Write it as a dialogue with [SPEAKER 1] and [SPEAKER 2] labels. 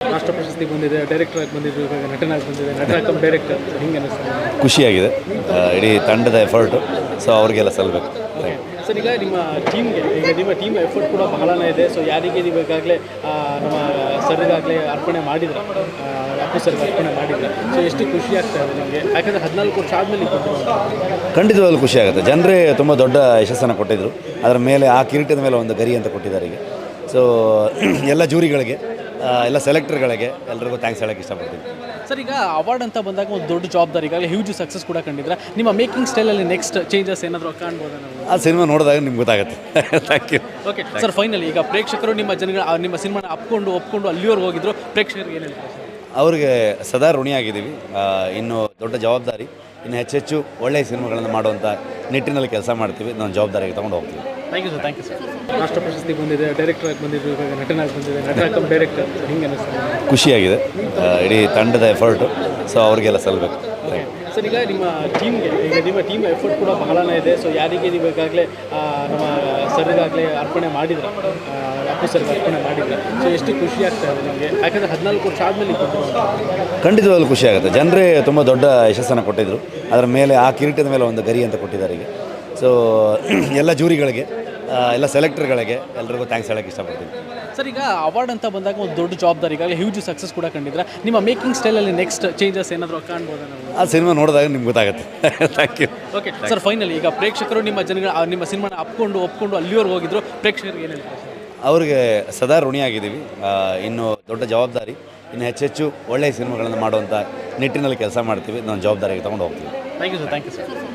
[SPEAKER 1] ರಾಷ್ಟ್ರ ಪ್ರಶಸ್ತಿ ಬಂದಿದೆ, ಡೈರೆಕ್ಟರ್ ಆಗಿ ಬಂದಿದ್ದು, ಇವಾಗ ನಟನಾಗಿ ಬಂದಿದೆ, ನಟ ಕಮ್ ಡೈರೆಕ್ಟರ್, ಹಿಂಗೆ ಅನಿಸ್ತದೆ?
[SPEAKER 2] ಖುಷಿಯಾಗಿದೆ. ಇಡೀ ತಂಡದ ಎಫರ್ಟು, ಸೊ ಅವ್ರಿಗೆಲ್ಲ ಸಲ್ಲಬೇಕು.
[SPEAKER 1] ಓಕೆ ಸರ್, ಈಗ ನಿಮ್ಮ ಟೀಮ್ಗೆ, ಈಗ ನಿಮ್ಮ ಟೀಮ್ ಎಫರ್ಟ್ ಕೂಡ ಬಹಳನೇ ಇದೆ. ಸೊ ಯಾರಿಗೆ ನೀವು ಈಗಾಗಲೇ ನಮ್ಮ ಸರ್ಗಾಗಲೇ ಅರ್ಪಣೆ ಮಾಡಿದ್ರೆ, ಅಪ್ಪು ಸರ್ಗೆ ಅರ್ಪಣೆ ಮಾಡಿದ್ರೆ, ಸೊ ಎಷ್ಟು ಖುಷಿ ಆಗ್ತಾ ಇದೆ ನಿಮಗೆ? ಯಾಕಂದರೆ 14 ವರ್ಷ ಆದಮೇಲೆ
[SPEAKER 2] ಖಂಡಿತವಾಗ್ಲೂ ಖುಷಿ ಆಗುತ್ತೆ. ಜನರೇ ತುಂಬ ದೊಡ್ಡ ಯಶಸ್ಸನ್ನು ಕೊಟ್ಟಿದ್ದರು. ಅದರ ಮೇಲೆ ಆ ಕಿರೀಟದ ಮೇಲೆ ಒಂದು ಗರಿ ಅಂತ ಕೊಟ್ಟಿದ್ದಾರೆ ಈಗ. ಸೊ ಎಲ್ಲ ಜೂರಿಗಳಿಗೆ, ಎಲ್ಲ ಸೆಲೆಕ್ಟರ್ಗಳಿಗೆ ಎಲ್ರಿಗೂ ಥ್ಯಾಂಕ್ಸ್ ಹೇಳೋಕ್ಕೆ ಇಷ್ಟಪಡ್ತೀನಿ.
[SPEAKER 1] ಸರ್, ಈಗ ಅವಾರ್ಡ್ ಅಂತ ಬಂದಾಗ ಒಂದು ದೊಡ್ಡ ಜವಾಬ್ದಾರಿ, ಈಗಾಗಲೇ ಹ್ಯೂಜ್ ಸಕ್ಸಸ್ ಕೂಡ ಕಂಡಿದ್ರೆ, ನಿಮ್ಮ ಮೇಕಿಂಗ್ ಸ್ಟೈಲಲ್ಲಿ ನೆಕ್ಸ್ಟ್ ಚೇಂಜಸ್ ಏನಾದರೂ ಕಾಣ್ಬೋದಾ ನಾವು?
[SPEAKER 2] ಆ ಸಿನಿಮಾ ನೋಡಿದಾಗ ನಿಮ್ಗೆ ಗೊತ್ತಾಗುತ್ತೆ. Thank you.
[SPEAKER 1] Okay sir, finally ಈಗ ಪ್ರೇಕ್ಷಕರು ನಿಮ್ಮ ನಿಮ್ಮ ಸಿನಿಮಾನ ಒಪ್ಕೊಂಡು ಅಲ್ಲಿವರೆಗೆ ಹೋಗಿದ್ರು, ಪ್ರೇಕ್ಷಕರಿಗೆ ಏನು ಹೇಳ್ತಾರೆ?
[SPEAKER 2] ಅವ್ರಿಗೆ ಸದಾ ಋಣಿಯಾಗಿದ್ದೀವಿ. ಇನ್ನು ದೊಡ್ಡ ಜವಾಬ್ದಾರಿ, ಇನ್ನು ಹೆಚ್ಚೆಚ್ಚು ಒಳ್ಳೆಯ ಸಿನಿಮಾಗಳನ್ನು ಮಾಡುವಂಥ ನಿಟ್ಟಿನಲ್ಲಿ ಕೆಲಸ ಮಾಡ್ತೀವಿ. ನಾವು ಜವಾಬ್ದಾರಿಗೆ ತೊಗೊಂಡು ಹೋಗ್ತೀವಿ.
[SPEAKER 1] Thank you sir. ರಾಷ್ಟ್ರ ಪ್ರಶಸ್ತಿ ಬಂದಿದೆ, ಡೈರೆಕ್ಟರ್ ಆಗಿ ಬಂದಿದ್ದು, ಇವಾಗ ನಟನಾಗಿ ಬಂದಿದೆ, ನಟ ಕಮ್ ಡೈರೆಕ್ಟರ್, ಹಿಂಗೆ ಅನಿಸ್ತದೆ?
[SPEAKER 2] ಖುಷಿಯಾಗಿದೆ. ಇಡೀ ತಂಡದ ಎಫರ್ಟು, ಸೊ ಅವ್ರಿಗೆಲ್ಲ ಸಲ್ಲಬೇಕು.
[SPEAKER 1] ಓಕೆ ಸರ್, ಈಗ ನಿಮ್ಮ ಟೀಮ್ಗೆ, ಈಗ ನಿಮ್ಮ ಟೀಮ್ ಎಫರ್ಟ್ ಕೂಡ ಬಹಳನೇ ಇದೆ. ಸೊ ಯಾರಿಗೆ ನೀವು ಈಗಾಗಲೇ ನಮ್ಮ ಸರ್ಗಾಗಲೇ ಅರ್ಪಣೆ ಮಾಡಿದ್ರೆ, ಅಪ್ಪು ಸರ್ಗೆ ಅರ್ಪಣೆ ಮಾಡಿದ್ರೆ, ಸೊ ಎಷ್ಟು ಖುಷಿ ಆಗ್ತಾ ಇದೆ ನಿಮಗೆ? ಯಾಕಂದರೆ 14 ವರ್ಷ ಆದಮೇಲೆ
[SPEAKER 2] ಖಂಡಿತವಾಗ್ಲೂ ಖುಷಿ ಆಗುತ್ತೆ. ಜನರೇ ತುಂಬ ದೊಡ್ಡ ಯಶಸ್ಸನ್ನು ಕೊಟ್ಟಿದ್ದರು. ಅದರ ಮೇಲೆ ಆ ಕಿರೀಟದ ಮೇಲೆ ಒಂದು ಗರಿ ಅಂತ ಕೊಟ್ಟಿದ್ದಾರೆ ಈಗ. ಸೊ ಎಲ್ಲ ಜೂರಿಗಳಿಗೆ, ಎಲ್ಲ ಸೆಲೆಕ್ಟರ್ಗಳಿಗೆ ಎಲ್ರಿಗೂ ಥ್ಯಾಂಕ್ಸ್ ಹೇಳೋಕ್ಕೆ ಇಷ್ಟಪಡ್ತೀನಿ.
[SPEAKER 1] ಸರ್, ಈಗ ಅವಾರ್ಡ್ ಅಂತ ಬಂದಾಗ ಒಂದು ದೊಡ್ಡ ಜವಾಬ್ದಾರಿ, ಈಗಾಗಲೇ ಹ್ಯೂಜ್ ಸಕ್ಸಸ್ ಕೂಡ ಕಂಡಿದ್ರೆ, ನಿಮ್ಮ ಮೇಕಿಂಗ್ ಸ್ಟೈಲಲ್ಲಿ ನೆಕ್ಸ್ಟ್ ಚೇಂಜಸ್ ಏನಾದರೂ ಕಾಣ್ಬೋದಾ ನಾವು?
[SPEAKER 2] ಆ ಸಿನಿಮಾ ನೋಡಿದಾಗ ನಿಮ್ಗೆ ಗೊತ್ತಾಗುತ್ತೆ. Thank you.
[SPEAKER 1] Okay sir, finally ಈಗ ಪ್ರೇಕ್ಷಕರು ನಿಮ್ಮ ಸಿನಿಮಾನ ಒಪ್ಕೊಂಡು ಅಲ್ಲಿವರೆಗೆ ಹೋಗಿದ್ರು, ಪ್ರೇಕ್ಷಕರಿಗೆ ಏನು ಹೇಳ್ತಾರೆ?
[SPEAKER 2] ಅವ್ರಿಗೆ ಸದಾ ಋಣಿಯಾಗಿದ್ದೀವಿ. ಇನ್ನು ದೊಡ್ಡ ಜವಾಬ್ದಾರಿ, ಇನ್ನು ಹೆಚ್ಚೆಚ್ಚು ಒಳ್ಳೆಯ ಸಿನಿಮಾಗಳನ್ನು ಮಾಡುವಂಥ ನಿಟ್ಟಿನಲ್ಲಿ ಕೆಲಸ ಮಾಡ್ತೀವಿ. ನಾವು ಜವಾಬ್ದಾರಿಗೆ ತೊಗೊಂಡು ಹೋಗ್ತೀವಿ.
[SPEAKER 1] Thank you sir.